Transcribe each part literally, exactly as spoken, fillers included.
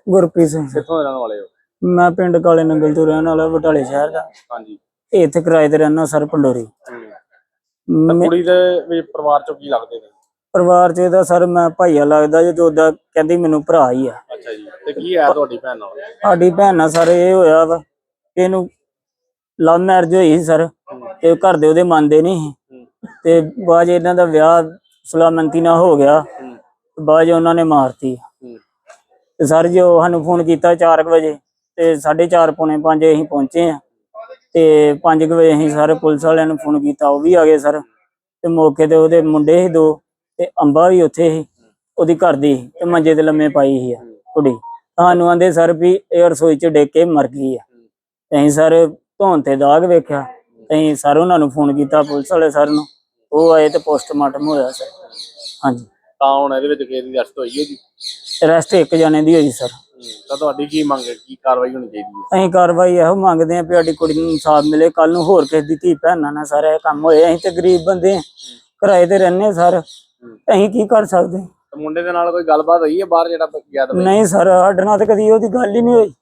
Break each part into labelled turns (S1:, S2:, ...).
S1: ਗੁਰਪ੍ਰੀਤ ਸਿੰਘ
S2: ਕਿੱਥੋਂ ਦੇ ਰਹਿਣ ਵਾਲੇ ਹੋ?
S1: ਮੈਂ ਪਿੰਡ ਕਾਲੇ ਨੰਗਲ ਤੋਂ ਰਹਿਣ ਵਾਲਾ, ਬਟਾਲੇ ਸ਼ਹਿਰ ਦਾ।
S2: ਹਾਂਜੀ।
S1: ਇੱਥੇ ਕਿਰਾਏ ਤੇ ਰਹਿਣਾ ਸਰ, ਪੰਡੋਰੀ।
S2: ਤਾਂ ਕੁੜੀ ਦੇ ਵੀ ਪਰਿਵਾਰ ਚੋਂ ਕੀ ਲੱਗਦੇ ਨੇ?
S1: ਪਰਿਵਾਰ ਚ ਇਹਦਾ ਸਰ ਮੈਂ ਭਾਈਆ ਲੱਗਦਾ ਜੇ, ਜੋ ਉਹਦਾ ਕਹਿੰਦੀ ਮੈਨੂੰ ਭਰਾ ਹੀ ਆ।
S2: ਅੱਛਾ ਜੀ। ਤੇ ਕੀ ਹੈ ਤੁਹਾਡੀ ਭੈਣ ਨਾਲ?
S1: ਸਾਡੀ ਭੈਣ ਨਾਲ ਸਰ ਇਹ ਹੋਇਆ ਵਾ, ਇਹਨੂੰ ਲਵ ਮੈਰਿਜ ਹੋਈ ਸੀ ਸਰ, ਤੇ ਘਰ ਦੇ ਉਹਦੇ ਮੰਨਦੇ ਨਹੀਂ ਸੀ, ਤੇ ਬਾਅਦ ਇਹਨਾਂ ਦਾ ਵਿਆਹ ਸੁਲਾਮੰਤੀ ਨਾਲ ਹੋ ਗਿਆ, ਬਾਅਦ ਉਹਨਾਂ ਨੇ ਮਾਰਤੀ। ਤੇ ਸਰ ਜੀ ਉਹ ਸਾਨੂੰ ਫੋਨ ਕੀਤਾ ਚਾਰ ਕੁ ਵਜੇ, ਤੇ ਸਾਢੇ ਚਾਰ ਪੌਣੇ ਪੰਜ ਅਸੀਂ ਪਹੁੰਚੇ ਆ, ਤੇ ਪੰਜ ਕੁ ਵਜੇ ਅਸੀਂ ਸਰ ਪੁਲਿਸ ਵਾਲਿਆਂ ਨੂੰ ਫੋਨ ਕੀਤਾ, ਉਹ ਵੀ ਆ ਗਏ ਸਰ। ਤੇ ਮੌਕੇ ਤੇ ਉਹਦੇ ਮੁੰਡੇ ਸੀ ਦੋ, ਤੇ ਅੰਬਾ ਵੀ ਉੱਥੇ ਸੀ, ਉਹਦੀ ਘਰ ਦੀ, ਤੇ ਮੰਜੇ ਤੇ ਲੰਮੇ ਪਾਈ ਸੀ ਕੁੜੀ। ਸਾਨੂੰ ਆਂਦੇ ਸਰ ਵੀ ਇਹ ਰਸੋਈ ਚ ਡਿੱਗ ਕੇ ਮਰ ਗਈ ਆ। ਅਸੀਂ ਸਰ ਧੌਣ ਤੇ ਦਾਗ ਵੇਖਿਆ, ਅਸੀਂ ਸਰ ਉਹਨਾਂ ਨੂੰ ਫੋਨ ਕੀਤਾ ਪੁਲਿਸ ਵਾਲੇ ਸਰ ਨੂੰ, ਉਹ ਆਏ ਤੇ ਪੋਸਟਮਾਰਟਮ ਹੋਇਆ ਸਰ। ਹਾਂਜੀ।
S2: ਤਾਂ ਹੁਣ ਇਹਦੇ ਵਿੱਚ ਕਿਸੇ ਦੀ ਅਰੈਸਟ ਹੋਈ ਹੈ ਜੀ?
S1: ਅਰੈਸਟ ਇੱਕ ਜਣੇ ਦੀ ਹੋਈ ਸਰ।
S2: ਤਾਂ ਤੁਹਾਡੀ ਕੀ ਮੰਗ ਹੈ, ਕੀ ਕਾਰਵਾਈ ਹੋਣੀ ਚਾਹੀਦੀ ਹੈ?
S1: ਅਸੀਂ ਕਾਰਵਾਈ ਇਹੋ ਮੰਗਦੇ ਹਾਂ ਵੀ ਸਾਡੀ ਕੁੜੀ ਨੂੰ ਇਨਸਾਫ ਮਿਲੇ, ਕੱਲ ਨੂੰ ਹੋਰ ਕਿਸੇ ਦੀ ਧੀ ਭੈਣਾਂ ਨਾਲ ਸਾਰਾ ਇਹ ਕੰਮ ਹੋਏ। ਅਸੀਂ ਤੇ ਗਰੀਬ ਬੰਦੇ, ਕਿਰਾਏ ਤੇ ਰਹਿੰਦੇ ਸਰ, ਅਸੀਂ ਕੀ ਕਰ ਸਕਦੇ?
S2: ਮੁੰਡੇ ਦੇ ਨਾਲ ਕੋਈ ਗੱਲਬਾਤ ਹੋਈ ਹੈ ਬਾਹਰ ਜਿਹੜਾ ਗਿਆ?
S1: ਨਹੀਂ ਸਰ, ਸਾਡੇ ਨਾਲ ਤਾਂ ਕਦੀ ਉਹਦੀ ਗੱਲ ਹੀ ਨਹੀਂ ਹੋਈ।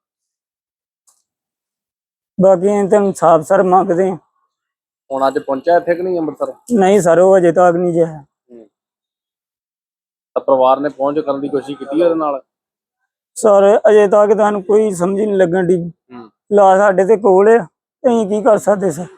S1: ਬਾਕੀ ਅਸੀਂ ਤਾਂ ਇਨਸਾਫ ਸਰ ਮੰਗਦੇ ਹਾਂ।
S2: ਹੁਣ ਅੱਜ ਪਹੁੰਚਿਆ ਇੱਥੇ ਕਿ ਨਹੀਂ ਅੰਮ੍ਰਿਤਸਰ?
S1: ਨਹੀਂ ਸਰ, ਉਹ ਅਜੇ ਤੱਕ ਨਹੀਂ ਜਿਹਾ।
S2: ਤਾਂ ਪਰਿਵਾਰ ਨੇ ਪਹੁੰਚ ਕਰਨ ਦੀ ਕੋਸ਼ਿਸ਼ ਕੀਤੀ ਉਹਦੇ ਨਾਲ?
S1: ਸਰ ਅਜੇ ਤੱਕ ਤੁਹਾਨੂੰ ਕੋਈ ਸਮਝ ਨਹੀਂ ਲੱਗਣ ਦੀ, ਲਾ ਸਾਡੇ ਤੇ ਕੋਲ ਆ, ਅਸੀਂ ਕੀ ਕਰ ਸਕਦੇ ਸਰ?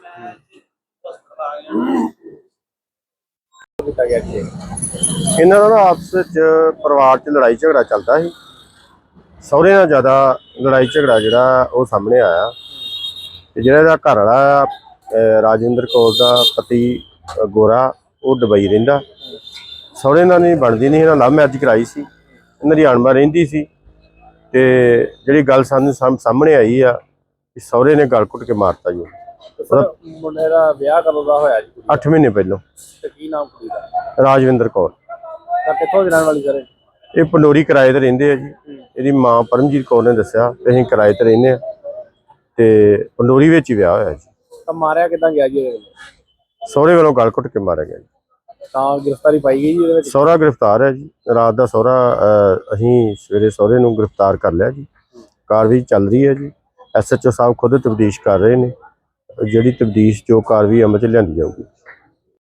S3: ਇਹਨਾਂ ਦਾ ਆਪਸ ਵਿੱਚ ਪਰਿਵਾਰ 'ਚ ਲੜਾਈ ਝਗੜਾ ਚੱਲਦਾ ਸੀ। ਸਹੁਰੇ ਨਾਲ ਜ਼ਿਆਦਾ ਲੜਾਈ ਝਗੜਾ ਜਿਹੜਾ ਉਹ ਸਾਹਮਣੇ ਆਇਆ, ਤੇ ਜਿਹੜਾ ਇਹਦਾ ਘਰ ਵਾਲਾ ਰਾਜਿੰਦਰ ਕੌਰ ਦਾ ਪਤੀ ਗੋਰਾ, ਉਹ ਦੁਬਈ ਰਹਿੰਦਾ। ਸਹੁਰੇ ਨਾਲ ਨਹੀਂ ਬਣਦੀ ਨਹੀਂ, ਇਹਨਾਂ ਲਵ ਮੈਰਿਜ ਕਰਾਈ ਸੀ, ਇਹਨਾਂ ਦੀ ਅਣਬਣ ਰਹਿੰਦੀ ਸੀ। ਤੇ ਜਿਹੜੀ ਗੱਲ ਸਾਨੂੰ ਸਾਹਮਣੇ ਆਈ ਆ ਕਿ ਸਹੁਰੇ ਨੇ ਗਲ ਘੁੱਟ ਕੇ ਮਾਰਤਾ ਜੀ।
S2: ਮੁੰਡੇ ਦਾ ਵਿਆਹ ਕਦੋਂ ਦਾ ਹੋਇਆ ਜੀ?
S3: ਅੱਠ ਮਹੀਨੇ ਪਹਿਲਾਂ।
S2: ਤੇ ਕੀ ਨਾਮ ਕੁੜੀ ਦਾ?
S3: ਰਾਜਵਿੰਦਰ ਕੌਰ।
S2: ਤਾਂ ਕਿੱਥੋਂ ਦੀ ਰਹਿਣ ਵਾਲੀ ਸਰ?
S3: ਇਹ ਪੰਡੋਰੀ ਕਿਰਾਏ ਤੇ ਰਹਿੰਦੇ ਆ ਜੀ। ਇਹਦੀ ਮਾਂ ਪਰਮਜੀਤ ਕੌਰ ਨੇ ਦੱਸਿਆ ਕਿ ਅਸੀਂ ਕਿਰਾਏ ਤੇ ਰਹਿੰਦੇ ਆ, ਤੇ ਪੰਡੋਰੀ ਵਿੱਚ ਹੀ ਵਿਆਹ ਹੋਇਆ ਜੀ।
S2: ਤਾਂ ਮਾਰਿਆ ਕਿੱਦਾਂ ਗਿਆ ਜੀ?
S3: ਸਹੁਰੇ ਵੱਲੋਂ ਗਲ ਘੁੱਟ ਕੇ ਮਾਰਿਆ ਗਿਆ ਜੀ।
S2: ਤਾਂ ਗ੍ਰਿਫਤਾਰੀ ਪਾਈ ਗਈ ਜੀ ਇਹਦੇ ਵਿੱਚ?
S3: ਸਹੁਰਾ ਗ੍ਰਿਫਤਾਰ ਹੈ ਜੀ। ਰਾਤ ਦਾ ਸਹੁਰਾ ਅਸੀਂ ਸਵੇਰੇ ਸਹੁਰੇ ਨੂੰ ਗ੍ਰਿਫਤਾਰ ਕਰ ਲਿਆ ਜੀ। ਕਾਰਵਾਈ ਚੱਲ ਰਹੀ ਹੈ ਜੀ। ਐਸ ਐਚ ਓ ਸਾਹਿਬ ਖੁਦ ਤਫਤੀਸ਼ ਕਰ ਰਹੇ ਨੇ, ਜਿਹੜੀ ਤਫਤੀਸ਼ ਜੋ ਕਾਰਵਾਈ ਅਮਲ 'ਚ ਲਿਆਂਦੀ ਜਾਊਗੀ।